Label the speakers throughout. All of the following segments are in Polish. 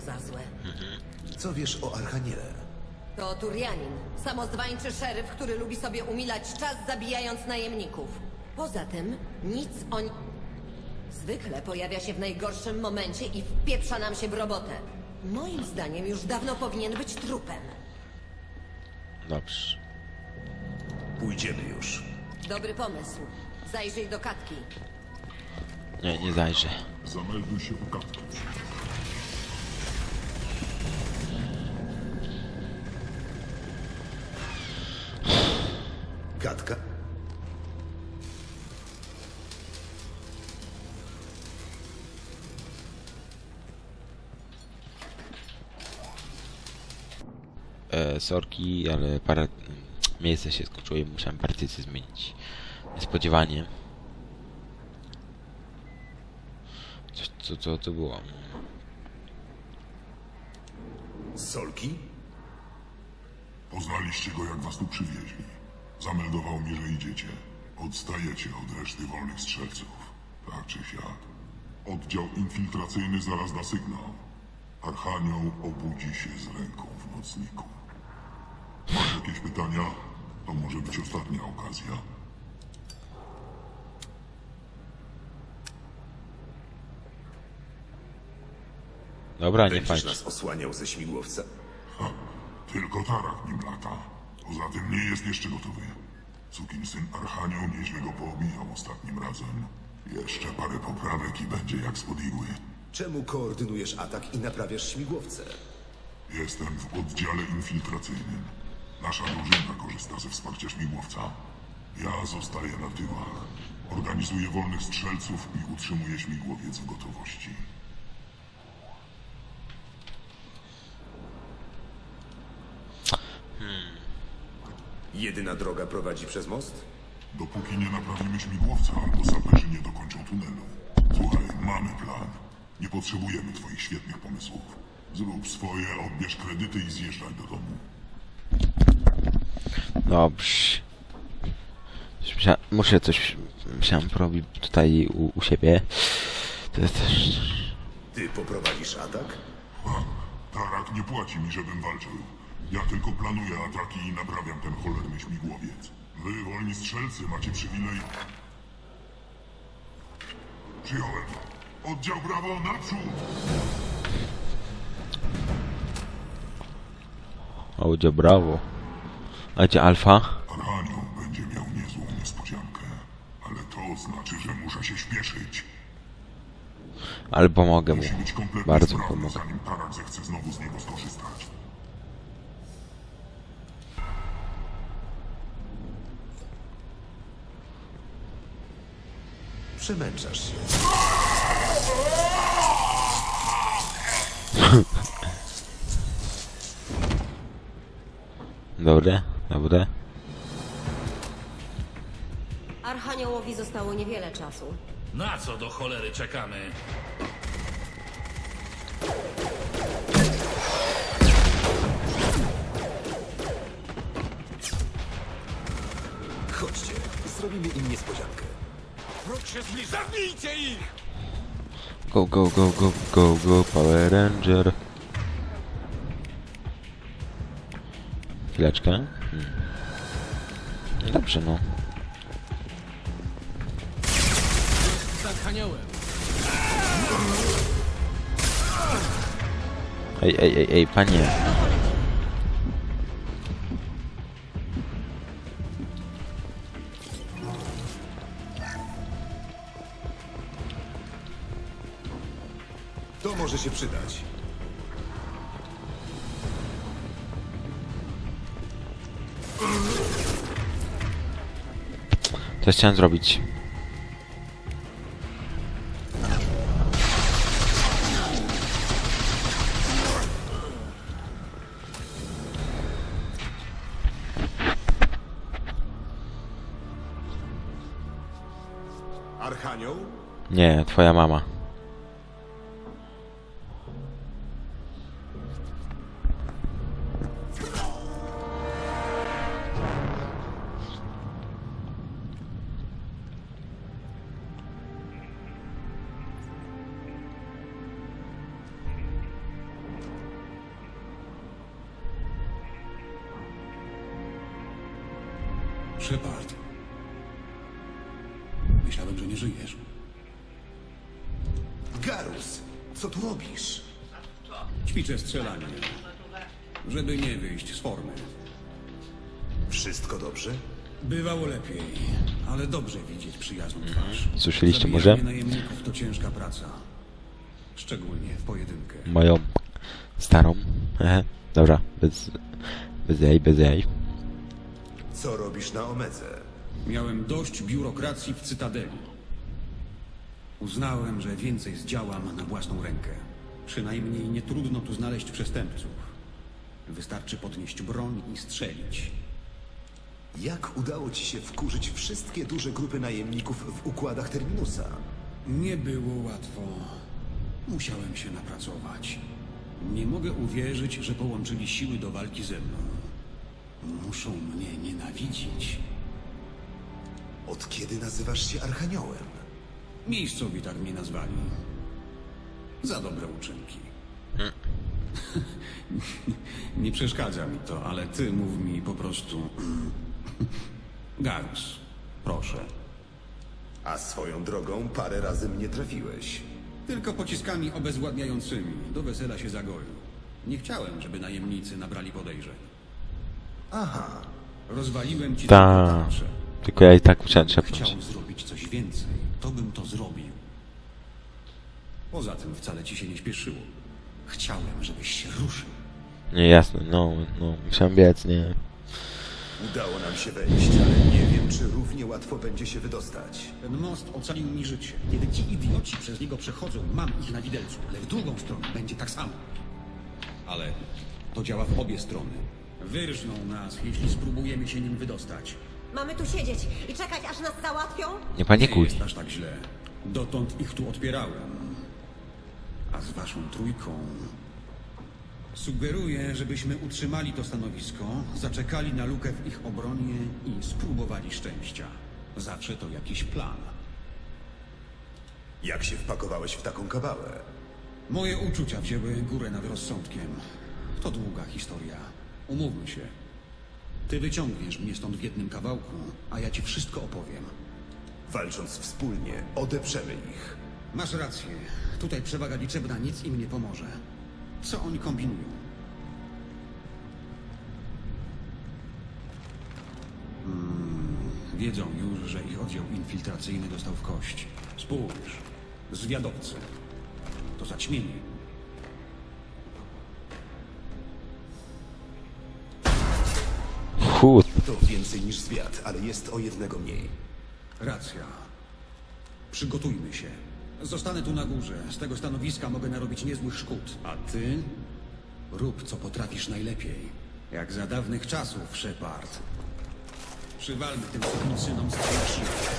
Speaker 1: za złe.
Speaker 2: Co wiesz o Archaniele?
Speaker 1: To Turianin, samozwańczy szeryf, który lubi sobie umilać czas, zabijając najemników. Poza tym, nic o... Zwykle pojawia się w najgorszym momencie i wpieprza nam się w robotę. Moim zdaniem już dawno powinien być trupem.
Speaker 3: Dobrze.
Speaker 2: Pójdziemy już.
Speaker 1: Dobry pomysł. Zajrzyj do Katki.
Speaker 3: Nie, nie zajrzę.
Speaker 4: Zamelduj się u Katki.
Speaker 2: Katka?
Speaker 3: Sorki, ale parę miejsce się skończyło i musiałem partycję zmienić. Niespodziewanie. Co to było?
Speaker 2: Solki?
Speaker 4: Poznaliście go, jak was tu przywieźli. Zameldował mi, że idziecie. Odstajecie od reszty wolnych strzelców. Tak czy siak. Oddział infiltracyjny zaraz da sygnał. Archanioł obudzi się z ręką w nocniku. Masz jakieś pytania? To może być ostatnia okazja.
Speaker 3: Dobra, nie
Speaker 2: Będziesz
Speaker 3: fajnie.
Speaker 2: nas osłaniał ze śmigłowca?
Speaker 4: Ha, tylko tarak nim lata. Poza tym nie jest jeszcze gotowy. Sukinsyn Archanioł nieźle go poobijał ostatnim razem. Jeszcze parę poprawek i będzie jak spod igły.
Speaker 2: Czemu koordynujesz atak i naprawiasz śmigłowce?
Speaker 4: Jestem w oddziale infiltracyjnym. Nasza drużyna korzysta ze wsparcia śmigłowca. Ja zostaję na tyłach. Organizuję wolnych strzelców i utrzymuję śmigłowiec w gotowości.
Speaker 2: Jedyna droga prowadzi przez most?
Speaker 4: Dopóki nie naprawimy śmigłowca, albo saperzy nie dokończą tunelu. Słuchaj, mamy plan. Nie potrzebujemy twoich świetnych pomysłów. Zrób swoje, odbierz kredyty i zjeżdżaj do domu.
Speaker 3: Dobrze. Muszę coś... Musiałem porobić tutaj u siebie. To jest też...
Speaker 2: Ty poprowadzisz atak?
Speaker 4: Ha, Tarak nie płaci mi, żebym walczył. Ja tylko planuję ataki i naprawiam ten cholerny śmigłowiec. Wy, wolni strzelcy, macie przywilej... Przyjąłem. Oddział Brawo, naprzód!
Speaker 3: Audio brawo. A gdzie Alfa?
Speaker 4: Archanioł będzie miał niezłą niespodziankę. Ale to znaczy, że muszę się śpieszyć.
Speaker 3: Ale pomogę mu.
Speaker 4: Musi być kompletnie
Speaker 3: Bardzo
Speaker 4: sprawny,
Speaker 3: pomogę.
Speaker 4: zanim Tarak zechce znowu z niego skorzystać.
Speaker 2: Przemęczasz się.
Speaker 3: Dobre, dobre.
Speaker 1: Archaniołowi zostało niewiele czasu.
Speaker 5: Na co do cholery czekamy?
Speaker 2: Chodźcie, zrobimy im niespodziankę.
Speaker 5: Wróg się zbliża! Zabijcie ich!
Speaker 3: Go, go, go, go, go, go, Power Ranger. Chwileczkę. Dobrze, no.
Speaker 5: Z Archaniołem.
Speaker 3: Ej, panie.
Speaker 2: To może się przydać.
Speaker 3: Co chciałem zrobić?
Speaker 2: Archanioł?
Speaker 3: Nie, twoja mama.
Speaker 6: Shepard. Myślałem, że nie żyjesz.
Speaker 2: Garus, co tu robisz?
Speaker 6: Ćwiczę strzelanie, żeby nie wyjść z formy.
Speaker 2: Wszystko dobrze?
Speaker 6: Bywało lepiej, ale dobrze widzieć przyjazną twarz.
Speaker 3: Słyszeliście
Speaker 6: Zabijanie
Speaker 3: może?
Speaker 6: najemników to ciężka praca. Szczególnie w pojedynkę.
Speaker 3: Moją starą. Dobra, bez jaj.
Speaker 2: Co robisz na Omedze?
Speaker 6: Miałem dość biurokracji w Cytadeli. Uznałem, że więcej zdziałam na własną rękę. Przynajmniej nie trudno tu znaleźć przestępców. Wystarczy podnieść broń i strzelić.
Speaker 2: Jak udało ci się wkurzyć wszystkie duże grupy najemników w układach Terminusa?
Speaker 6: Nie było łatwo. Musiałem się napracować. Nie mogę uwierzyć, że połączyli siły do walki ze mną. Muszą mnie nienawidzić.
Speaker 2: Od kiedy nazywasz się Archaniołem?
Speaker 6: Miejscowi tak mnie nazwali. Za dobre uczynki. Nie przeszkadza mi to, ale ty mów mi po prostu... Garus, proszę.
Speaker 2: A swoją drogą parę razy mnie trafiłeś.
Speaker 6: Tylko pociskami obezwładniającymi. Do wesela się zagoił. Nie chciałem, żeby najemnicy nabrali podejrzeń.
Speaker 2: Aha,
Speaker 6: Rozwaliłem ci
Speaker 3: Ta.
Speaker 6: tarczę.
Speaker 3: Tylko ja i tak musiałem trzepnąć.
Speaker 6: Chciał zrobić coś więcej, to bym to zrobił. Poza tym wcale ci się nie śpieszyło. Chciałem, żebyś się ruszył.
Speaker 3: Nie, jasne, no, musiałem biec, nie.
Speaker 2: udało nam się wejść, ale nie wiem, czy równie łatwo będzie się wydostać.
Speaker 6: Ten most ocalił mi życie. Kiedy ci idioci przez niego przechodzą, mam ich na widelcu, ale w drugą stronę będzie tak samo. Ale to działa w obie strony. Wyrżną nas, jeśli spróbujemy się nim wydostać.
Speaker 1: Mamy tu siedzieć i czekać, aż nas załatwią?
Speaker 3: Nie
Speaker 6: Nie
Speaker 3: panikuj.
Speaker 6: jest aż tak źle. Dotąd ich tu odpierałem. A z waszą trójką... Sugeruję, żebyśmy utrzymali to stanowisko, zaczekali na lukę w ich obronie i spróbowali szczęścia. Zawsze to jakiś plan.
Speaker 2: Jak się wpakowałeś w taką kabałę?
Speaker 6: Moje uczucia wzięły górę nad rozsądkiem. To długa historia. Umówmy się. Ty wyciągniesz mnie stąd w jednym kawałku, a ja ci wszystko opowiem.
Speaker 2: Walcząc wspólnie, odeprzemy ich.
Speaker 6: Masz rację. Tutaj przewaga liczebna nic im nie pomoże. Co oni kombinują? Wiedzą już, że ich oddział infiltracyjny dostał w kość. Spójrz. Zwiadowcy. To zaćmienie.
Speaker 3: Chód.
Speaker 2: To więcej niż zwiat, ale jest o jednego mniej.
Speaker 6: Racja. Przygotujmy się. Zostanę tu na górze. Z tego stanowiska mogę narobić niezłych szkód. A ty? Rób, co potrafisz najlepiej. Jak za dawnych czasów, Shepard. Przywalmy tym synom z twarzy.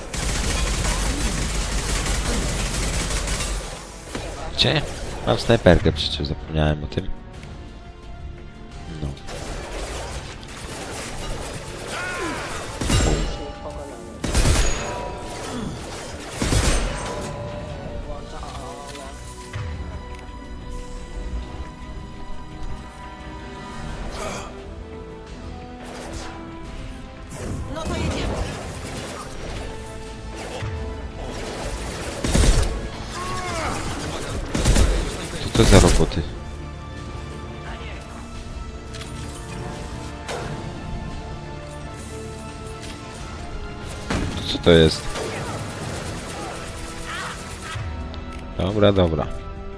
Speaker 3: Gdzie? Mam snajperkę, przecież zapomniałem o tym. No.
Speaker 1: No to jedziemy.
Speaker 3: Co to za roboty? Co to jest? Dobra, dobra.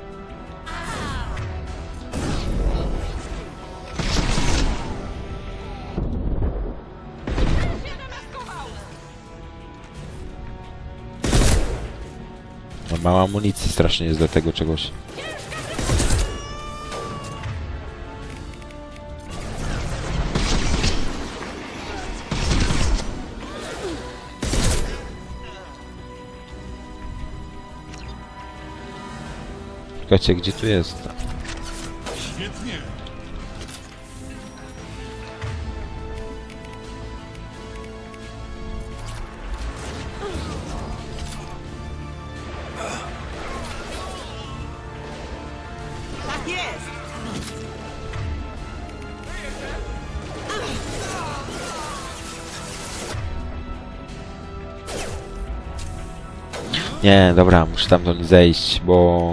Speaker 3: No, mała amunicji strasznie jest do tego czegoś. Czekajcie, gdzie tu jest?
Speaker 4: Świetnie!
Speaker 1: Tak jest!
Speaker 3: Nie, dobra, muszę tam do niej zejść, bo...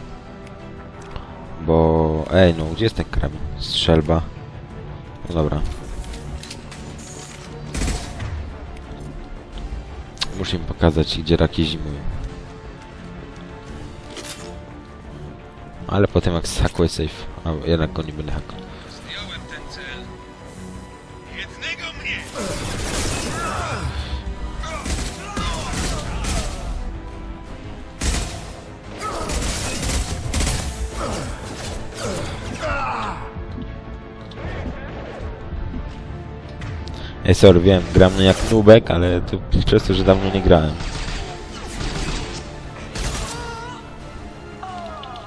Speaker 3: Ej, no, gdzie jest ten karabin? Strzelba. No dobra. Muszę im pokazać, gdzie raki zimują. Ale potem jak zhakuję safe, a jednak go nie będę hakował.
Speaker 7: Zdjąłem ten cel. Jednego mnie!
Speaker 3: Ej, sorry, wiem, gram jak nubek, ale to przez to, że dawno nie grałem.